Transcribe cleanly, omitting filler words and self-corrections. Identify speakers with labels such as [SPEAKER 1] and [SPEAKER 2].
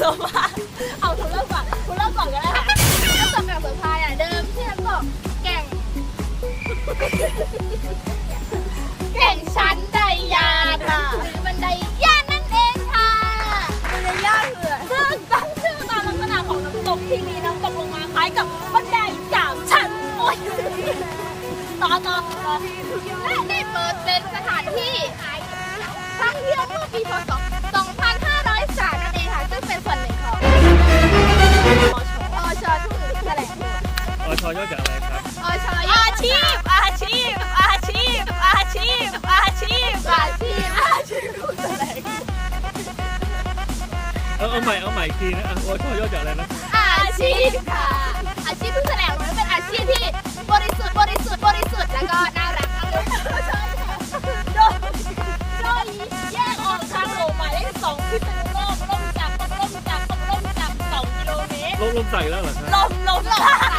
[SPEAKER 1] เสื้อผ้าเอาคุณเริ่มก่อนก็ได้ค่ะน้ำตกแก่งเสือพายเดิมที่น้ำตกแก่งชั้นไดยานหรือบันไดยานนั่นเองค่ะบันไดยานคือซึ่งตั้งชื่อตามลักษณะของน้ำตกที่มีน้ำตกลงมาคล้ายกับบันได3 ชั้นโอ้ยต่อและได้เปิดเป็นสถานที่ท่องเที่ยวเมื่อปีพ.ศ. 2503นั่นเองค่ะซึ่งเป็นส่วนหนึ่งของอชทุ่งแถลง
[SPEAKER 2] อชย่อจากอะไรครับ
[SPEAKER 1] อาชีพทุกแถลง
[SPEAKER 2] เอาใหม่อีกทีนะอชย่อจากอะไรนะ
[SPEAKER 1] อาชีพค่ะอาชีพทุกแถลงมันเป็นอาชีพที่บริสุทธิ์แล้วก็น่ารักโดยแยกออกทางหลวงหมายเลข 2พิษณุโลกล่มจาก2 กิโลเมตร
[SPEAKER 2] ลมใส่แล้วเหรอครับ
[SPEAKER 1] ลม